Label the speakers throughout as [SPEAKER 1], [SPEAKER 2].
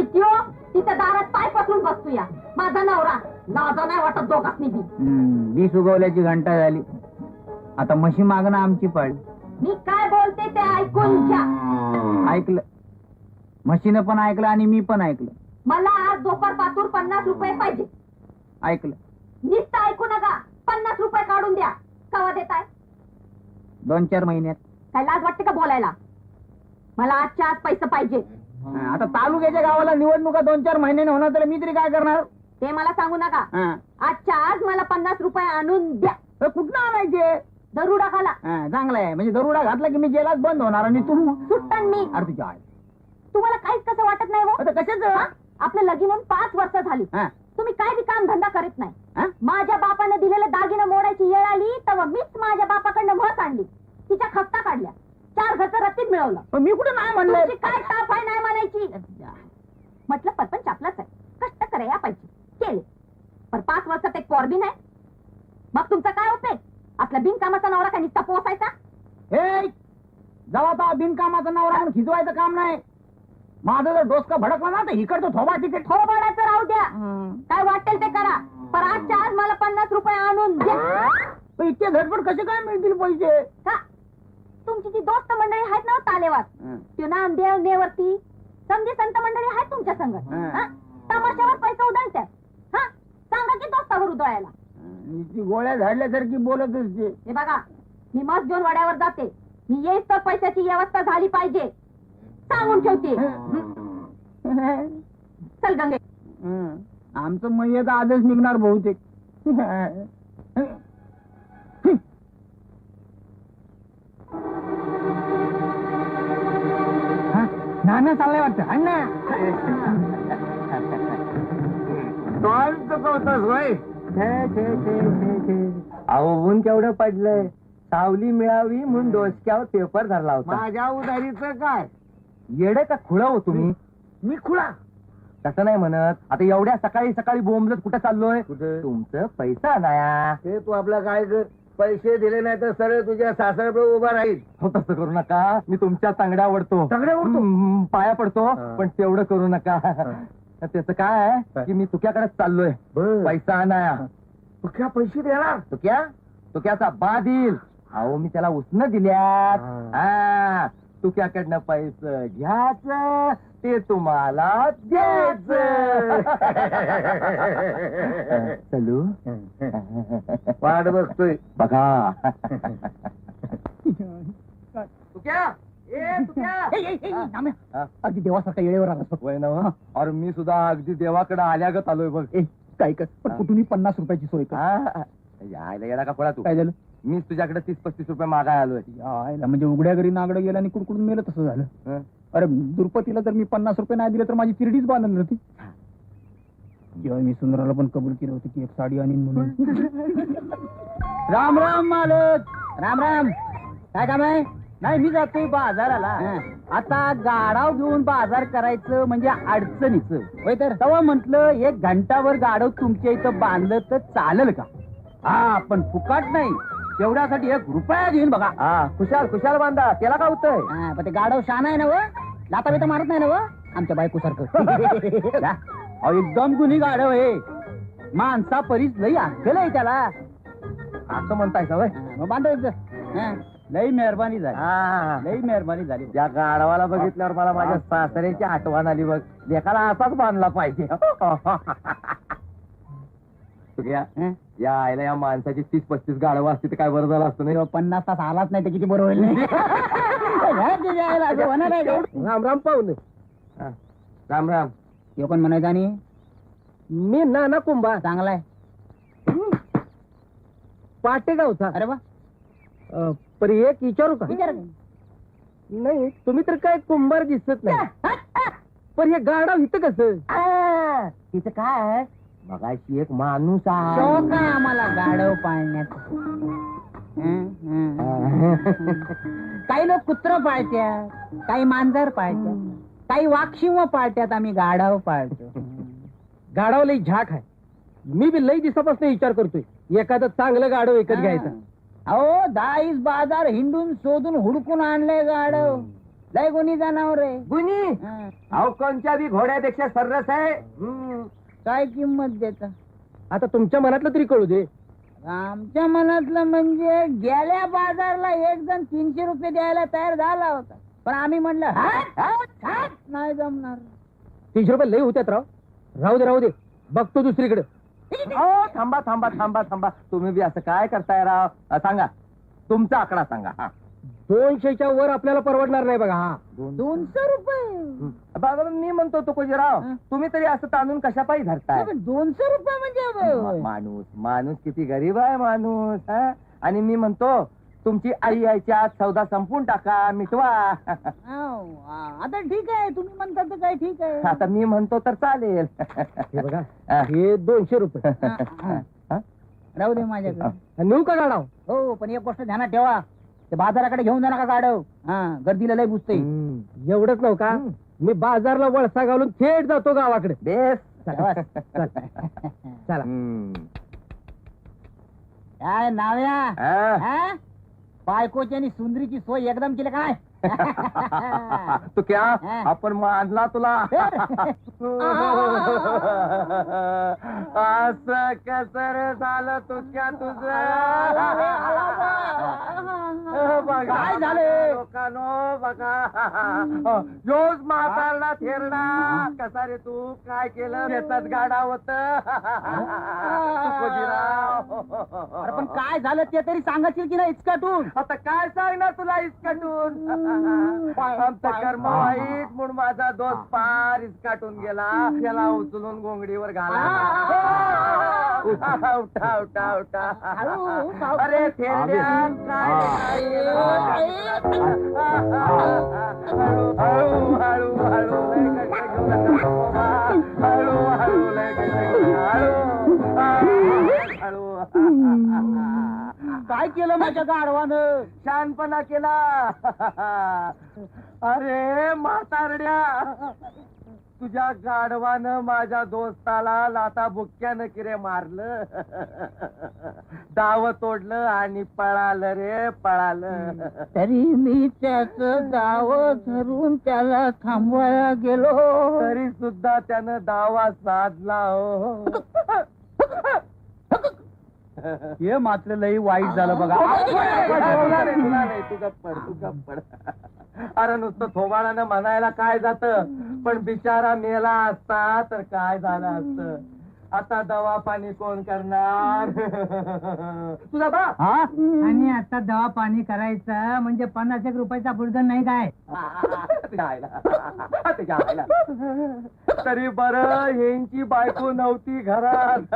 [SPEAKER 1] आणि त्यो तिच्या दारात पाय पसरून बसतो या माझा नवरा लाज नाही वाटत दोघांनी बी.
[SPEAKER 2] वीस उगवल्याची घंटा झाली, आता म्हशी मागणं आमची पाळी.
[SPEAKER 1] मी काय बोलते ते ऐकून घ्या.
[SPEAKER 2] ऐकलं, म्हशीनं पण ऐकलं आणि मी पण ऐकलं.
[SPEAKER 1] मला आज दोपर पातूर 50 रुपये पाहिजे.
[SPEAKER 2] ऐकलं.
[SPEAKER 1] नुसतं ऐकू नका, 50 रुपये काढून द्या. कवा देताय?
[SPEAKER 2] 2-4 महिन्यात.
[SPEAKER 1] काय लाज वाटते का बोलायला? मला आजच्या आज पैसे पाहिजे.
[SPEAKER 2] आता तालुक्याच्या गावाला निवडणुका 2-4 महिन्याने होणार, तर मी तरी काय करणार?
[SPEAKER 1] ते मला सांगू नका. आजच्या आज मला 50 रुपये आणून द्या.
[SPEAKER 2] कुठं आणायचे?
[SPEAKER 1] दरुडा खाला.
[SPEAKER 2] चांगला आहे, म्हणजे दरुडा घातला की मी जेलात बंद होणार आणि तू
[SPEAKER 1] सुट्टन मी.
[SPEAKER 2] अरे तुझ्या आई,
[SPEAKER 1] तुम्हाला काहीच कसं वाटत नाही हो?
[SPEAKER 2] कशाच?
[SPEAKER 1] आपलं लगीन होऊन 5 वर्ष झाली, तुम्ही काय बी काम धंदा करीत नाही. माझ्या बापाने दिलेलं दागिनं मोडायची वेळ आली तेव्हा मीच माझ्या बापाकडनं म्हस आणली, तिच्या खस्ता काढल्या, 4 घरचं रत्तीत मिळवलं.
[SPEAKER 2] मी कुठे नाही म्हणलं?
[SPEAKER 1] काय ताप आहे नाही म्हणायची? म्हटलं परपंच आपलाच आहे, कष्ट करायला पाहिजे, केले. पण 5 वर्षात एक पोर बी नाही. मग तुमचा काय उपयोग? आपला बिनकामाचा नवरा काय नुसता पोसायचा?
[SPEAKER 2] हे जेव्हा बिनकामाचा नवरा म्हणून खिजवायचं काम नाही. माझं जर डोसका भडकला ना तर इकडचं थोबा तिकीट
[SPEAKER 1] थोबाडाचं राहू द्या, काय वाटेल ते करा, पण आजच्या आज मला 50 रुपये आणून द्या.
[SPEAKER 2] इतके झटपट कसे काय मिळतील पैसे?
[SPEAKER 1] का तुमची ती दोस्त मंडळी आहेत ना तालेवास, त्यो नामदेव नेवरती समजी संत मंडळी आहेत तुमच्या संग, तमाशावर पैसे उधळतात. हा सांगा की दोस्तावर उधळायला.
[SPEAKER 2] गोळ्या झाडल्यासारखी बोलत असते.
[SPEAKER 1] हे बघा, मी मस्त घेऊन वड्यावर जाते, मी येईस तर पैशाची व्यवस्था झाली पाहिजे सांगून ठेवते. चल गंगे.
[SPEAKER 2] आमचं मयत आजच निघणार बहुतेक. नाना चाललंय वाटतं. अण्णा चुकवतोस होय?
[SPEAKER 3] अहो ऊन केवढं पडलंय, सावली मिळावी म्हणून डोसक्यावर पेपर धरला होता.
[SPEAKER 2] माझ्या उदारीचं काय?
[SPEAKER 3] येडे का खुळा हो तुम्ही?
[SPEAKER 2] मी खुळा
[SPEAKER 3] तसं नाही म्हणत. आता एवढ्या सकाळी सकाळी बोंबलत कुठे चाललोय?
[SPEAKER 2] कुठे?
[SPEAKER 3] तुमचं पैसा नाया.
[SPEAKER 2] ते तू आपला काय कर, पैसे दिले नाही तर सरळ तुझ्या सासऱ्यापुढे उभा राहील.
[SPEAKER 3] हो तसं करू नका, मी तुमच्या तांगड्या आवडतो,
[SPEAKER 2] तांगड्या आवडतो?
[SPEAKER 3] पाया पडतो, पण तेवढं करू नका. त्याचं काय आहे की मी तुक्याकडेच चाललोय पैसा आणाया.
[SPEAKER 2] तुझ्या पैसे देणार?
[SPEAKER 3] तुक्याचा बा देईल. अहो मी त्याला उसनं दिल्यात. हा तुक्याकडनं पैसे घ्यायचं, ते तुम्हाला द्यायचं. चलू
[SPEAKER 2] वाट बघतोय
[SPEAKER 3] बघा.
[SPEAKER 2] अगदी देवासारखा येळेवर आला
[SPEAKER 3] वय ना. और मी सुद्धा अगदी देवाकडे आल्यागत आलोय बघ.
[SPEAKER 2] काय कर, पण कुठूनही 50 रुपयाची सोय कर.
[SPEAKER 3] यायला येडा का पडा तू?
[SPEAKER 2] काय झालं?
[SPEAKER 3] मीच तुझ्याकडे 30-35 रुपये मागाय आलोय.
[SPEAKER 2] यायला म्हणजे उघड्या घरी नागडं गेलं आणि कुडकुडून मेलं तसं झालं. अरे दुर्पतीला जर मी 50 रुपये नाही दिले तर माझी तिरडीच बांधली होती. जेव्हा मी सुंदराला पण कबूल केलं होतं की एक साडी आणीन म्हणून. राम राम मालक. राम राम. काय काम आहे? नाही मी जातोय बाजाराला. आता गाडाव घेऊन बाजार करायचं म्हणजे अडचणीचं होय. तर तेव्हा म्हंटल 1 घंटावर गाडव तुमच्या इथं बांधलं तर चालेल का? हा पण फुकाट नाही, तेवढ्यासाठी 1 रुपया देईन बघा.
[SPEAKER 3] हा खुशाल खुशाल बांधा, त्याला काय होतंय?
[SPEAKER 2] पण ते गाडव शान आहे ना व, लाता बिता मारत नाही ना व आमच्या बायको सारखं. एकदम गुन्ही गाडव आहे, माणसा परीच लई अक्कल आहे त्याला.
[SPEAKER 3] असं म्हणताय का?
[SPEAKER 2] मग बांधायचं. लई मेहरबानी झाली, लई मेहरबानी झाली.
[SPEAKER 3] या गाढवाला बघितल्यावर मला माझ्या सासऱ्याची आठवण आली बघ. लेखाला असाच बांधला पाहिजे. या आईला या माणसाची 30-35 गाढवं असते तर काय बरं झालं असतं नाही?
[SPEAKER 2] 50 तास आलाच नाही तर किती बरं होईल नाही.
[SPEAKER 3] राम राम पाहुणे. राम राम.
[SPEAKER 2] हे पण म्हणायचं. आणि
[SPEAKER 3] मी नाना कुंभा.
[SPEAKER 2] चांगलाय.
[SPEAKER 3] पाटेगावचा.
[SPEAKER 2] अरे वा.
[SPEAKER 3] पर एक विचारू का?
[SPEAKER 2] विचार.
[SPEAKER 3] नाही तुम्ही तर काय कुंभार दिसत नाही, पण हे गाढव इथं कसं?
[SPEAKER 2] तिचं काय
[SPEAKER 3] मगाशी एक माणूस
[SPEAKER 2] शौक आहे आम्हाला गाढव पाळण्यात. काही लोक कुत्र पाळत्यात, काही मांजर पाळत्यात, काही वाघशिंग पाळत्यात. आम्ही गाढव पाळतो.
[SPEAKER 3] गाढव लई झाक आहे. मी बी लई दिवसापासून विचार करतोय एखादं चांगलं गाढव विकत घ्यायचं.
[SPEAKER 2] अहो 10 बाजार हिंडून शोधून हुडकून आणलंय गाढव. लय कोणी जनावर आहे.
[SPEAKER 3] गुनी
[SPEAKER 2] हा.
[SPEAKER 3] अहो कोणत्या बी घोड्यापेक्षा सर्रस आहे.
[SPEAKER 2] काय किंमत देता?
[SPEAKER 3] आता तुमच्या मनातलं तरी कळू दे.
[SPEAKER 2] आमच्या मनातलं म्हणजे गेल्या बाजारला एक जण 300 रुपये द्यायला तयार झाला होता, पण आम्ही म्हणलं नाही जमणार.
[SPEAKER 3] 300 रुपये लई होत्यात राव. राहू दे बघतो दुसरीकडे. थांबा थांबा थांबा थांबा, तुम्ही बी असं काय करताय राव? सांगा तुमचा आकडा सांगा. 200च्या वर आपल्याला परवडणार नाही बघा. हा
[SPEAKER 2] 200 रुपये
[SPEAKER 3] बाबा मी म्हणतो तुकोजीराव, तुम्ही तरी असं तांदून कशा पायी धरताय?
[SPEAKER 2] 200 रुपये म्हणजे
[SPEAKER 3] माणूस किती गरीब आहे माणूस. हा? आणि मी म्हणतो तुमची आई यायच्या आत सौदा संपून टाका, मिटवा.
[SPEAKER 2] आता ठीक आहे, तुम्ही म्हणता तर काय ठीक आहे.
[SPEAKER 3] आता मी म्हणतो तर चालेल. बघा हे 200 रुपये
[SPEAKER 2] राहू दे माझ्याकडे.
[SPEAKER 3] नेऊ का गाडा?
[SPEAKER 2] हो, पण एक गोष्ट ध्यानात ठेवा, ते बाजाराकडे घेऊन जा नका गाडव. हा, गर्दीला लय बुजते.
[SPEAKER 3] एवढंच नव्ह का, मी बाजारला वळसा घालून थेट जातो गावाकडे. बेस
[SPEAKER 2] चला. काय नाव्या, हा? बायकोची आणि सुंदरीची सोय एकदम केली काय?
[SPEAKER 3] तू क्या आपण मानला तुला. असं कसर झालं तू क्या तुझं?
[SPEAKER 2] काय झालं?
[SPEAKER 3] लोकांनो बघा, योज म्हातारला थेरडा कसा रे तू काय केलं? शेतात गाडा होत.
[SPEAKER 2] अरे पण काय झालं ते तरी सांगायची की नाही इचकाटून?
[SPEAKER 3] आता काय सांगणार तुला इचकाटून? आमचं कर्म वाईट म्हणून माझा दोस्त पार इचकाटून गेला. त्याला उचलून गोंगडीवर घाला. उठा उठा उठा उठा. अरे थेरड्या काय केलं? हळू हळू हळू लय कष्ट घेऊ नका बाबा. हळू हळू लय कष्ट घेऊ नका. हळू
[SPEAKER 2] काय केलं माझ्या गाढवानं?
[SPEAKER 3] शहाणपणा केला. अरे म्हातारड्या, तुझ्या गाढवानं माझ्या दोस्ताला लाता बुक्क्यानं किरे मारलं. दाव तोडलं आणि पळालं रे पळालं.
[SPEAKER 2] तरी मी त्याच दाव धरून त्याला थांबवायला गेलो,
[SPEAKER 3] तरी सुद्धा त्यानं दावा साधला. हो
[SPEAKER 2] हे मात्र लई वाईट झालं बघा.
[SPEAKER 3] तू गप्पड. अरे नुसतं थोबाडानं म्हणायला काय जात, पण बिचारा मेला असता तर काय झालं असतं. आता दवा पाणी कोण करणार? तुझा बा.
[SPEAKER 2] आणि आता दवा पाणी करायचं म्हणजे 50 रुपयाचा बुडगण नाही काय?
[SPEAKER 3] तरी बरं यांची बायको नव्हती घरात.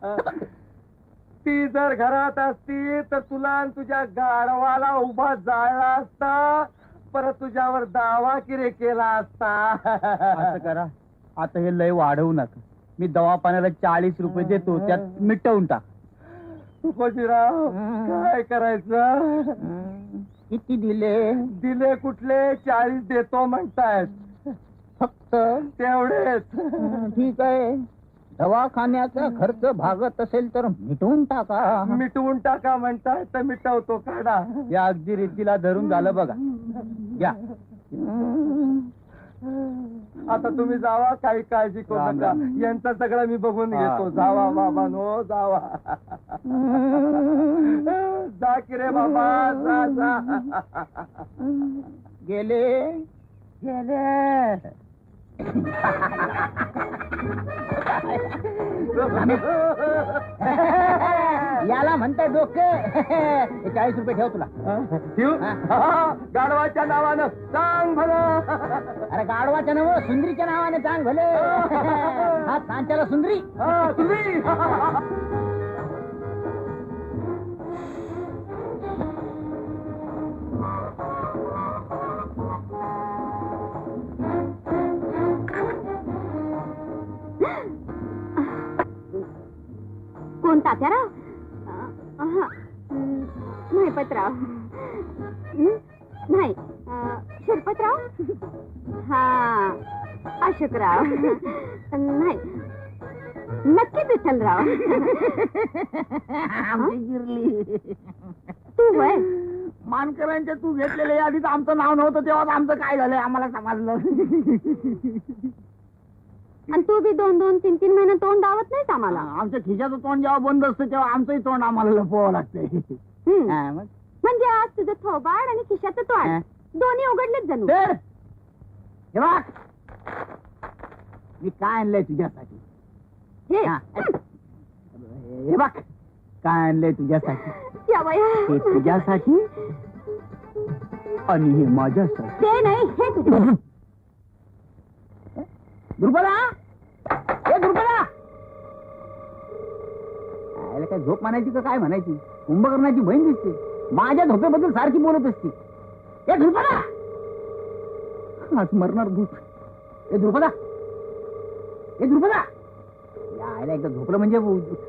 [SPEAKER 3] ती जर घरात असती तर तुला आणि तुझ्या गाढवाला उभा जाळला असता, परत तुझ्यावर दावा किरे केला असता.
[SPEAKER 2] असं करा, आता हे लय वाढवू नका. मी दवापाण्याला 40 रुपये देतो, त्यात मिटवून टाक.
[SPEAKER 3] तुकोजीराव काय करायचं?
[SPEAKER 2] किती दिले
[SPEAKER 3] कुठले? 40 देतो म्हणतायत.
[SPEAKER 2] फक्त
[SPEAKER 3] तेवढेच?
[SPEAKER 2] ठीक आहे, दवाखान्याचा खर्च भागत असेल तर मिटवून टाका.
[SPEAKER 3] म्हणताय तर मिटवतो. काढा.
[SPEAKER 2] या अगदी रीतीला धरून झालं बघा. या
[SPEAKER 3] आता तुम्ही जावा, काही काळजी करू नका. यांचं सगळं मी बघून घेतो. जावा बाबा नो जावा. जा की रे बाबा जा.
[SPEAKER 2] गेले याला म्हणताय डोकं. 40 रुपये ठेव तुला.
[SPEAKER 3] गाढवाच्या नावानं सांग भलं.
[SPEAKER 2] अरे गाढवाच्या नाव सुंदरीच्या नावाने सांग भले. हा सांच्याला सुंदरी.
[SPEAKER 1] कोण तात्याराव? नाही पत्राव. नाही शिरपतराव. हा अशोकराव. नाही नक्की विठ्ठलराव.
[SPEAKER 2] आमची गिरली.
[SPEAKER 1] तू वय
[SPEAKER 2] मानकरांच्या तू घेतलेल्या यादीत आमचं नाव नव्हतं तेव्हा आमचं काय झालंय आम्हाला समजलं.
[SPEAKER 1] आणि तू बी 2-2, 3-3 महिने तोंड दावत नाहीस आम्हाला.
[SPEAKER 2] आमच्या खिशाचं तोंड जेव्हा बंद असतं तेव्हा आमचंही तोंड आम्हाला लपवावं लागतंय. मग
[SPEAKER 1] म्हणजे आज तुझं थोबाड आणि खिशाचं तोंड दोन्ही उघडलेच जणू.
[SPEAKER 2] तर हे बघ, मी काय आणलंय तुझ्यासाठी.
[SPEAKER 1] हे
[SPEAKER 2] हे बघ काय आणलंय तुझ्यासाठी.
[SPEAKER 1] या बाया.
[SPEAKER 2] हे तुझ्यासाठी आणि हे माझ्यासाठी.
[SPEAKER 1] ते नाही, हे तुझं.
[SPEAKER 2] दुर्बला, हे दुर्बला, काय झोप म्हणायची का काय म्हणायची. कुंभकर्णाची बहीण दिसते, माझ्या झोपेबद्दल सारखी बोलत असते. हे दुर्बला, आज मरणार भूत. हे दुर्बला, हे दुर्बला, यायला एकदा झोपलं म्हणजे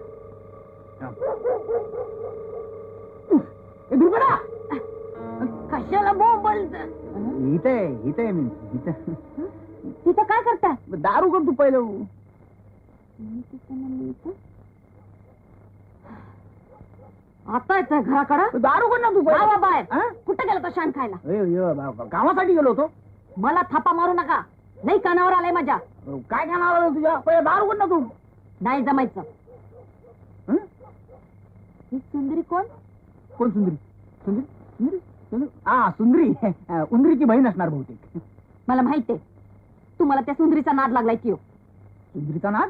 [SPEAKER 2] हे दुर्बला.
[SPEAKER 1] कशाला बोंबलत.
[SPEAKER 2] इथे मी इथं.
[SPEAKER 1] तिथं काय करताय.
[SPEAKER 2] दारू कर तू पहिलं.
[SPEAKER 1] आता येतोय घराकडं.
[SPEAKER 2] दारू कर ना तू
[SPEAKER 1] बाबा बाहेर.
[SPEAKER 2] हा?
[SPEAKER 1] कुठं गेला तो शान खायला.
[SPEAKER 2] कामासाठी गेलो होतो.
[SPEAKER 1] मला थापा मारू नका, नाही कानावर आलाय माझ्या.
[SPEAKER 2] काय खाणार आलं तुझ्या. पहिले दारू कर ना तू.
[SPEAKER 1] नाही जमायचं.
[SPEAKER 2] हं?
[SPEAKER 1] ही सुंदरी कोण.
[SPEAKER 2] कोण सुंदरी. सुंदरी सुंदरी सुंदरी हा सुंदरी. उंदरीची बहीण असणार बहुतेक.
[SPEAKER 1] मला माहितीये तुम्हाला त्या सुंदरीचा नाद लागलाय की.
[SPEAKER 2] सुंदरीचा नाद.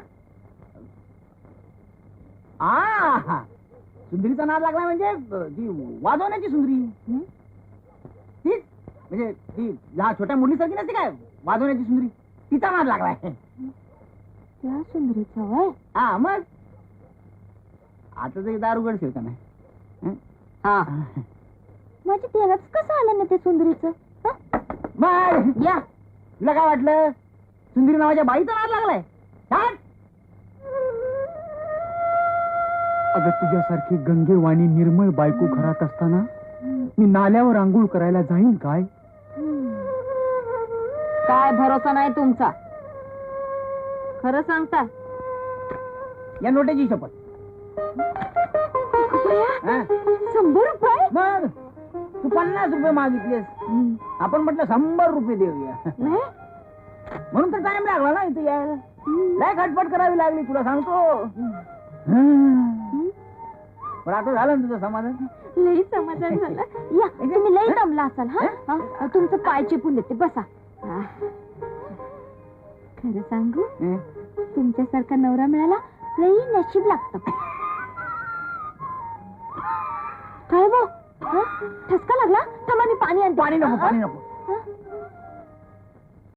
[SPEAKER 2] हा सुंदरीचा नाद लागलाय म्हणजे ती वाजवण्याची सुंदरी. तीच म्हणजे ती ह्या छोट्या मुलीसारखी नसते काय वाजवण्याची सुंदरी, तिचा नाद लागलाय.
[SPEAKER 1] त्या सुंदरीचा वय.
[SPEAKER 2] हा मग आता तरी दारू गडशील का नाही.
[SPEAKER 1] हा माझी तेलाच कसं आलं ना ते सुंदरीचं.
[SPEAKER 2] मग
[SPEAKER 1] या
[SPEAKER 2] तुला काय वाटलं सुंदरी नावाच्या बाईचा नाद लागलाय. अगं तुझ्यासारखी गंगेवाणी निर्मळ बायको घरात असताना मी नाल्यावर आंघोळ करायला जाईन काय.
[SPEAKER 1] काय भरोसा नाही तुमचा. खरं सांगता.
[SPEAKER 2] या नोट्याची शपथ.
[SPEAKER 1] 100 रुपये.
[SPEAKER 2] मग तू 50 रुपये मागितलेस. आपण म्हटलं 100 रुपये देऊया. म्हणून तर टाइम लागला ना इथे यायला. लय खटपट करावी लागली तुला सांगतो. पण आता झालं ना तुझं समाधान.
[SPEAKER 1] लई समाधान झालं. या तुम्ही लई दमला असाल. हा तुमचं पाय चिपून देते बसा. खरं सांगू तुमच्यासारखा नवरा मिळाला लई नशीब लागतं. काय बो ठसका लागला. थांबा मी पाणी आणते.
[SPEAKER 2] पाणी नको पाणी नको.